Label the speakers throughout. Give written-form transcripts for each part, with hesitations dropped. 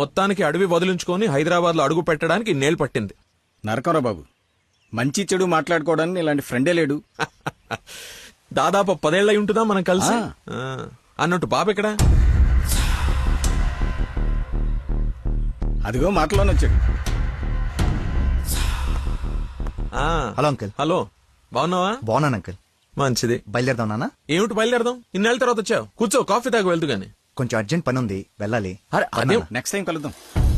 Speaker 1: మొత్తానికి అడవి వదిలించుకొని హైదరాబాద్ లో అడుగు పెట్టడానికి నేలు పట్టింది.
Speaker 2: నరకరా బాబు, మంచి చెడు మాట్లాడుకోవడానికి ఇలాంటి ఫ్రెండే లేడు.
Speaker 1: దాదాపు 10 ఏళ్ళై ఉంటుందా మనం కలిసి. అన్నట్టు బాబు ఎక్కడ?
Speaker 2: అదిగో మాటలోనే వచ్చాడు.
Speaker 3: Hello uncle.
Speaker 1: హలో, బాగున్నావా?
Speaker 3: బాగున్నాను అంకుల్.
Speaker 1: మంచిది.
Speaker 3: బయలుదేరదాం నాన్న.
Speaker 1: ఏమిటి బయలుదేరదాం? ఇన్నేళ్ళ తర్వాత వచ్చావు, కూర్చో, కాఫీ తాగు వెళ్తూ గాని.
Speaker 3: కొంచెం అర్జెంట్ పని ఉంది, వెళ్ళాలి.
Speaker 1: అదే
Speaker 2: నెక్స్ట్ టైం కలుద్దాం.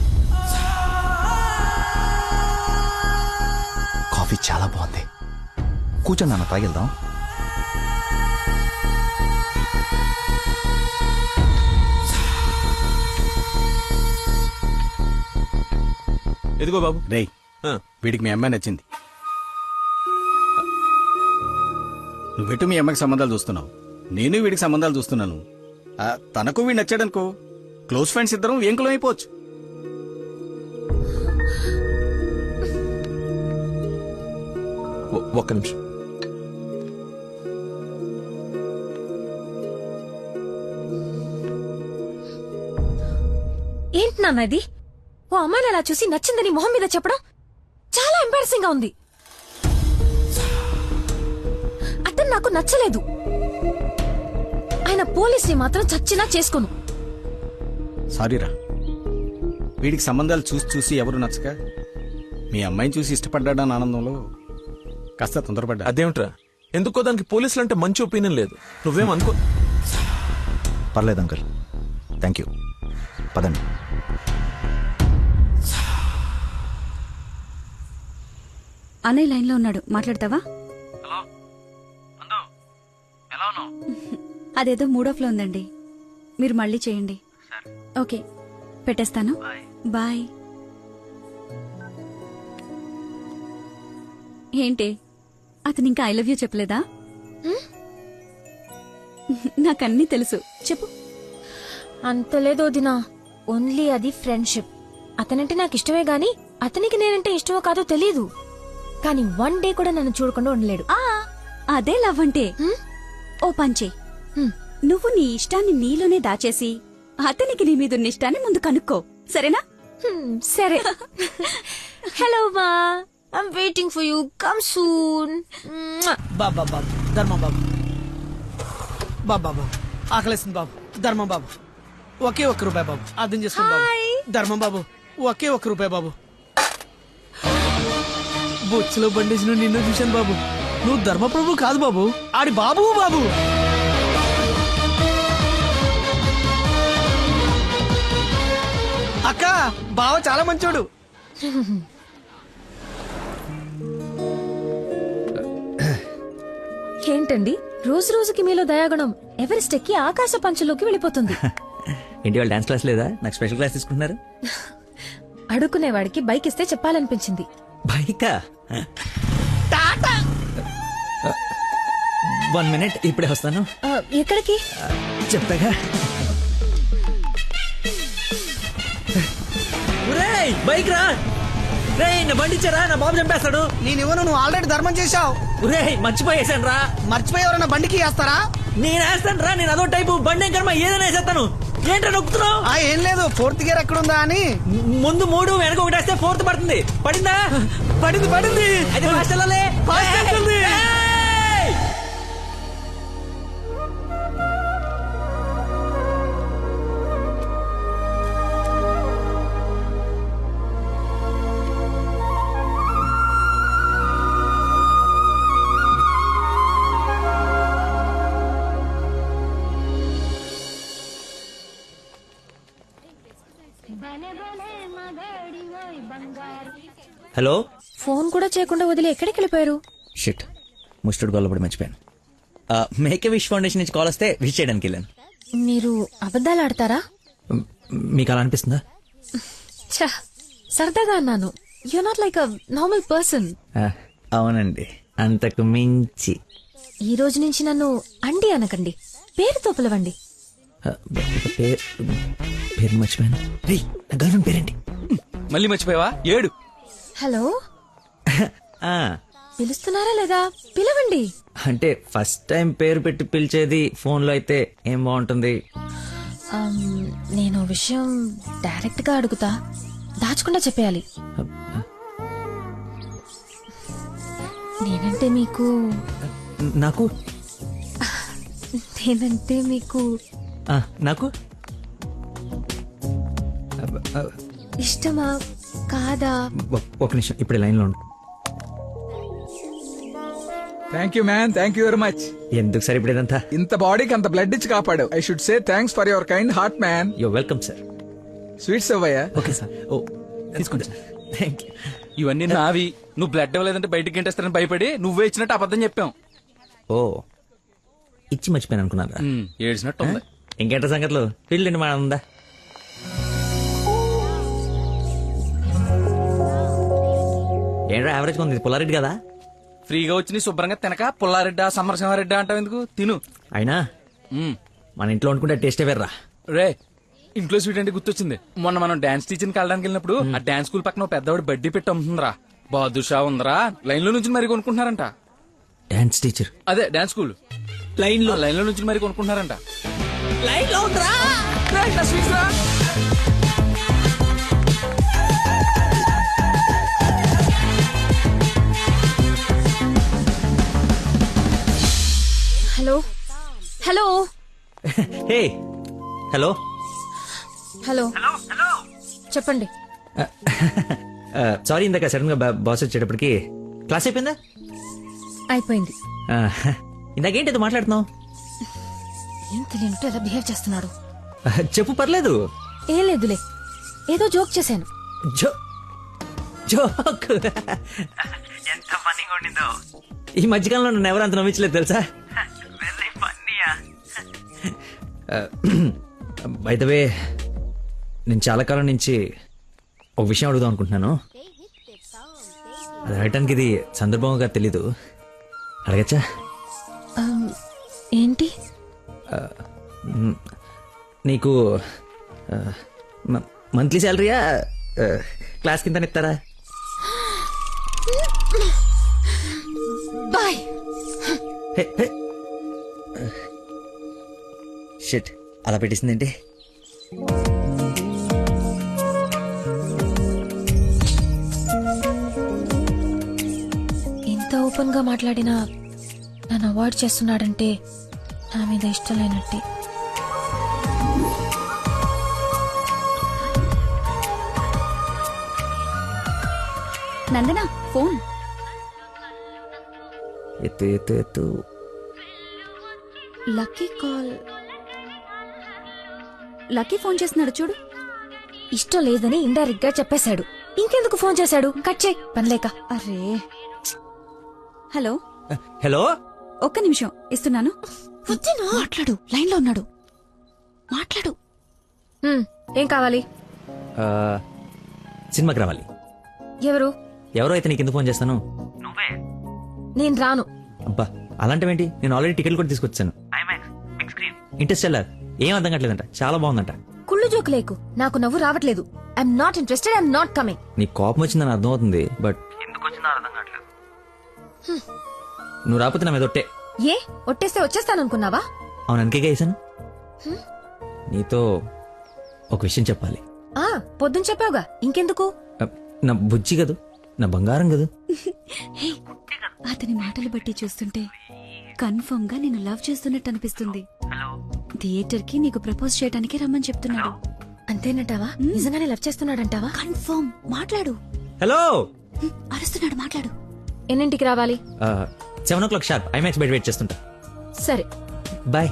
Speaker 3: కాఫీ చాలా బాగుంది. కూర్చో నాన్న, తాగిద్దాం.
Speaker 1: ఎదిగో బాబు.
Speaker 2: రేయ్, వీడికి మీ అమ్మాయి నచ్చింది. నువ్వెటు మీ అమ్మాయికి సంబంధాలు చూస్తున్నావు, నేను వీడికి సంబంధాలు చూస్తున్నాను. తనకు వీడు నచ్చాడనుకో, క్లోజ్ ఫ్రెండ్స్ ఇద్దరం ఏంకులం అయిపోవచ్చు.
Speaker 1: ఒక్క నిమిషం.
Speaker 4: ఏంటి నాన్న ఇది? ఓ అమ్మాయిని అలా చూసి నచ్చిందని మొహం మీద చెప్పడం చాలా ఎంబారసింగ్ గా ఉంది. అతను నాకు నచ్చలేదు. ఆయన పోలీసుని మాత్రం చచ్చినా చేసుకోను.
Speaker 2: సారీరా, వీడికి సంబంధాలు చూసి చూసి ఎవరు నచ్చక మీ అమ్మాయిని చూసి ఇష్టపడ్డాడని ఆనందంలో కాస్త తొందరపడ్డా.
Speaker 1: అదేమిట్రా, ఎందుకో దానికి పోలీసులు అంటే మంచి ఒపీనియన్ లేదు. నువ్వేం అనుకో.
Speaker 3: పర్లేదు అంకుల్, థ్యాంక్ యూ. పదండి.
Speaker 5: అన్నయ్య లైన్ లో ఉన్నాడు, మాట్లాడతావా? అదేదో మూడోఫ్లో ఉందండి, మీరు మళ్ళీ చేయండి. ఓకే, పెట్టేస్తాను. బాయ్. ఏంటి, అతను ఇంకా ఐ లవ్ యూ చెప్పలేదా? నాకన్నీ తెలుసు, చెప్పు.
Speaker 4: అంత లేదో దినా, ఓన్లీ అది ఫ్రెండ్షిప్. అతనంటే నాకు ఇష్టమే గాని అతనికి నేనంటే ఇష్టమో కాదో తెలీదు. కానీ 1 డే కూడా నన్ను చూడకుండా ఉండలేడు.
Speaker 5: అదే లవ్ అంటే. ఓ పంచే, నువ్వు నీ ఇష్టాన్ని నీలోనే దాచేసి అతనికి నీ మీదున్న ఇష్టాన్ని ముందు కనుక్కో, సరేనా?
Speaker 4: సరే. హలో మా, I'm waiting for you, come soon.
Speaker 6: బాబా బాబు, ధర్మం బాబు. బాబా ఆకలేస్తుంది బాబు. ధర్మం బాబు, ఒకే ₹1 బాబు, అర్థం చేసుకోండి బాబు. ధర్మం బాబు, ఒకే ₹1 బాబు. బొచ్చులో బండేసి నిన్ను చూశాను బాబు. నువ్వు ధర్మప్రభు కాదు బాబు, ఆడి బాబు బాబు. అక్క, బావ చాలా మంచోడు.
Speaker 4: ఏంటండి రోజు రోజుకి మీలో దయాగుణం ఎవరెస్ట్ ఎక్కి ఆకాశ పంచలోకి వెళ్ళిపోతుంది.
Speaker 7: ఇంటి వాళ్ళు డాన్స్ క్లాస్ లేదా? నాకు స్పెషల్ క్లాస్ తీసుకుంటున్నారు.
Speaker 4: అడుక్కునేవాడికి బైక్ ఇస్తే చెప్పాలనిపించింది.
Speaker 7: బైకా? 1 minute, ఇప్పుడే వస్తాను.
Speaker 4: ఎక్కడికి?
Speaker 7: చెప్తాగా. బైక్ రా రే, నా బండి ఇచ్చారా, నా బాబు చంపేస్తాడు.
Speaker 6: నేనివ్వను, నువ్వు ఆల్రెడీ ధర్మం చేశావు.
Speaker 7: రే, మర్చిపోయేసాను రా.
Speaker 6: మర్చిపోయేవరన్నా బండికి వేస్తారా?
Speaker 7: నేను వేస్తాను రా, నేను అదో టైపు బండి కర్మ, ఏదైనా వేసేస్తాను. ఏంటో నొక్కుతున్నావు?
Speaker 6: ఏం లేదు, 4th గేర్ ఎక్కడుందా అని.
Speaker 7: ముందు 3 వెనక 1 వేస్తే 4th పడుతుంది. పడిందా?
Speaker 6: పడింది పడింది.
Speaker 7: అది ఫాస్ట్ వెళ్ళాలి. హలో.
Speaker 4: ఫోన్ కూడా చేయకుండా వదిలి ఎక్కడికి వెళ్ళిపోయారు?
Speaker 7: షిట్, ముస్టుడు గొల్లబడి మర్చిపోయాను. మేకే విష్ ఫౌండేషన్ నుంచి కాల్ వస్తే విష్ చేయడానికి వెళ్ళాను.
Speaker 4: మీరు అబద్ధాలు ఆడతారా?
Speaker 7: మీకు అలా అనిపిస్తుందా?
Speaker 4: సరదాగా అన్నాను. You not like a normal person.
Speaker 7: అవునండి, అంతకు మించి.
Speaker 4: ఈ రోజు నుంచి నన్ను అండి అనకండి, పేరుతో పిలవండి.
Speaker 7: పేరు మర్చిపోయాను. నా గర్ల్ ఫ్రెండ్ పేరేంటి?
Speaker 2: మళ్ళీ మర్చిపోయావా? 7.
Speaker 4: హలో, పిలుస్తున్నారా లేదా? పిలవండి.
Speaker 7: అంటే ఫస్ట్ టైం పేరు పెట్టి పిలిచేది ఫోన్ లో అయితే ఏం బాగుంటుంది?
Speaker 4: నేను విషయం డైరెక్ట్ గా అడుగుతా, దాచకుండా చెప్పేయాలి. నేనంటే మీకు
Speaker 7: నాకు
Speaker 4: నేనంటే మీకు
Speaker 7: నాకు
Speaker 4: ఇష్టమా కాదా?
Speaker 7: ఒక నిమిషం, ఇప్పుడు లైన్లో ఉండు.
Speaker 8: Thank you man, thank you very much.
Speaker 7: ఎందుకు సార్ ఇప్పుడు ఇదంతా?
Speaker 8: ఇంత బాడీకి అంత బ్లడ్ ఇచ్చి కాపాడు. I should say thanks for your kind heart man.
Speaker 7: You're welcome sir.
Speaker 8: Sweets అవ్వయ్యా.
Speaker 7: Okay sir. ఓ తీసుకోండి సార్. Thank you.
Speaker 9: ఇవన్నీ నావి. నువ్వు బ్లడ్ ఇవ్వలేదంటే బయటికి గంటేస్తారని భయపడి నువ్వే ఇచ్చినట్టు అబద్ధం చెప్పాం.
Speaker 7: ఓ ఇచ్చి మర్చిపోయాను అనుకున్నారా?
Speaker 9: ఏడ్చినట్టు ఉంది.
Speaker 7: ఇంకేంట సంగతులు? ఫీల్డ్ మా ఉందా? ఏంట్రా యావరేజ్ ఉంది, పుల్లారెడ్డి కదా?
Speaker 9: ఫ్రీగా వచ్చి నీ శుభ్రంగా తినక పుల్లారెడ్డా సమరసింహారెడ్డా అంటావు ఎందుకు? తిను.
Speaker 7: అయినా మన ఇంట్లో వండుకుంటే టేస్టే వేర్రా.
Speaker 9: రే, ఇంట్లో స్వీట్ అంటే గుర్తొచ్చింది. మొన్న మనం డాన్స్ టీచర్కి వెళ్ళడానికి వెళ్ళినప్పుడు ఆ డాన్స్ స్కూల్ పక్కన పెద్దవాడు బడ్డీ పెట్టి అమ్ముతుందిరా. బాదుషా ఉందరా. లైన్ లో నుంచి మరి కొనుక్కుంటున్నారంట.
Speaker 7: Dance teacher?
Speaker 9: అదే డాన్స్ స్కూల్. లైన్ లో నుంచి మరి కొనుక్కుంటున్నారంట. లైన్ లో ఉందిరా.
Speaker 4: Hello hello
Speaker 7: hey hello
Speaker 4: hello చెప్పండి.
Speaker 7: సారీ, ఇందాక సడన్ గా బాస్ వచ్చేటప్పటికి క్లాస్ అయిపోయిందా?
Speaker 4: అయిపోయింది.
Speaker 7: ఇందాకేంటి ఏదో మాట్లాడుతున్నావు?
Speaker 4: ఏం తెలియనట్టు ఎలా బిహేవ్ చేస్తున్నాడు.
Speaker 7: చెప్పు, పర్లేదు.
Speaker 4: ఏం లేదులే, ఏదో జోక్ చేశాను.
Speaker 7: జోక్ ఎంత ఫన్నీగా ఉండిందో. ఈ మధ్యకాలంలో నన్ను ఎవరు అంత నమ్మించలేదు తెలుసా? బై ద వే, నేను చాలా కాలం నుంచి ఒక విషయం అడుగుదాం అనుకుంటున్నాను. అది అడగటానికి ఇది సందర్భంగా తెలీదు. అడగచ్చా?
Speaker 4: ఏంటి?
Speaker 7: నీకు మంత్లీ శాలరీయా, క్లాస్ కింద ఇస్తారా?
Speaker 4: బాయ్.
Speaker 7: షిట్, అలా పెట్టేసిందేంటి?
Speaker 4: ఇంత ఓపెన్ గా మాట్లాడినా నన్ను అవాయిడ్ చేస్తున్నాడంటే నా మీద ఇష్టం లేనట్టే.
Speaker 5: నందన ఫోన్.
Speaker 7: ఎత్తు ఎత్తు ఎత్తు.
Speaker 5: Lucky call. లక్కీ ఫోన్ చేస్తున్నాడు చూడు.
Speaker 4: ఇష్టం లేదని ఇండైరెక్ట్ గా చెప్పేశాడు. ఇంకెందుకు ఫోన్ చేశాడు? కట్ చేయి, పనిలేక.
Speaker 5: అరే, హలో
Speaker 7: హలో,
Speaker 5: ఒక్క నిమిషం ఇస్తున్నాను. మాట్లాడు, లైన్ లో ఉన్నాడు. మాట్లాడు.
Speaker 4: ఏం కావాలి?
Speaker 7: సినిమాకి రావాలి.
Speaker 4: ఎవరు?
Speaker 7: ఎవరో అయితే నీకు ఎందుకు ఫోన్ చేస్తాను?
Speaker 4: నేను రాను.
Speaker 7: అబ్బా, అలాంటివేంటి? నేను ఆల్రెడీ టికెట్ కూడా తీసుకొచ్చాను. ఇంటర్స్టెల్లార్ ఏం అర్థం కావట్లేదంట, చాలా బాగుందంట.
Speaker 4: కుళ్ళు జోకు లేకు, నాకు నవ్వు రావట్లేదు. I'm not interested, I'm not coming.
Speaker 7: నీ కోపం వచ్చిందని అర్థం అవుతుంది, బట్ ఎందుకు వచ్చిందో అర్థం కావట్లేదు. నువ్వు రాకపోతే నా మీద ఒట్టే.
Speaker 4: ఏ ఒట్టేస్తే వచ్చేస్తాననుకున్నావా?
Speaker 7: అవును, అందుకేగా వేసాను. నీతో ఒక విషయం చెప్పాలి.
Speaker 4: పొద్దున చెప్పావుగా, ఇంకెందుకు?
Speaker 7: నా బుజ్జి కదూ, నా బంగారం కదూ.
Speaker 5: అతని మాటలు బట్టి చూస్తుంటే కన్ఫర్మ్ గా నేను లవ్ చేస్తున్నట్టు అనిపిస్తుంది. థియేటర్ కి నీకు ప్రపోజ్ చేయడానికి రమ్మని చెప్తున్నాడు.
Speaker 4: అంతేనంటావా? నిజంగానే లవ్ చేస్తున్నాడంటావా?
Speaker 5: కన్ఫర్మ్. మాట్లాడు.
Speaker 7: హలో,
Speaker 5: అరుస్తున్నాడు, మాట్లాడు.
Speaker 4: ఎన్నింటికి రావాలి?
Speaker 7: 7 o'clock షార్ప్ ఐమాక్స్ బయట వెయిట్ చేస్తుంటా.
Speaker 4: సరే,
Speaker 7: bye.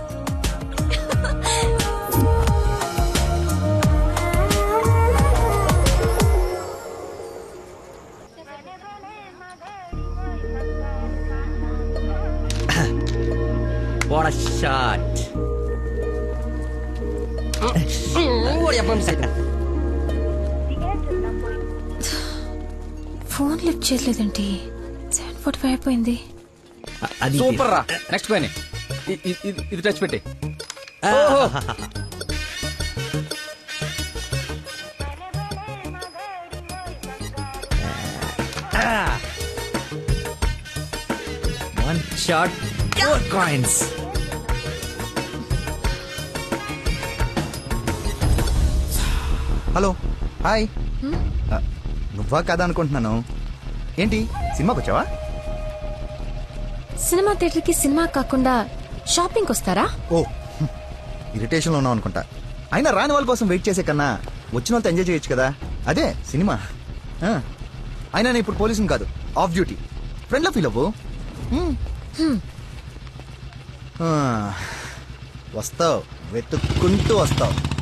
Speaker 7: What a shot.
Speaker 4: Phone lift చేయలేదండి. 7:45 అయిపోయింది.
Speaker 7: అది
Speaker 9: సూపర్ రా. నెక్స్ట్ పైన ఇది టచ్ పెట్టి.
Speaker 7: One shot, 4 coins.
Speaker 3: Hello hi నువ్వా కదా అనుకుంటున్నాను. ఏంటి సినిమాకి వచ్చావా?
Speaker 4: సినిమా థియేటర్ కి సినిమా కాకుండా షాపింగ్ వస్తారా?
Speaker 3: ఓ ఇరిటేషన్ లో ఉన్నావు అనుకుంటా. అయినా రాని వాళ్ళ కోసం వెయిట్ చేసే కన్నా వచ్చిన వాళ్ళతో ఎంజాయ్ చేయొచ్చు కదా, అదే సినిమా. అయినా నేను ఇప్పుడు పోలీసుని కాదు, ఆఫ్ డ్యూటీ. ఫ్రెండ్లో ఫీల్ అవ్వు. వస్తావు, వెతుక్కుంటూ వస్తావు.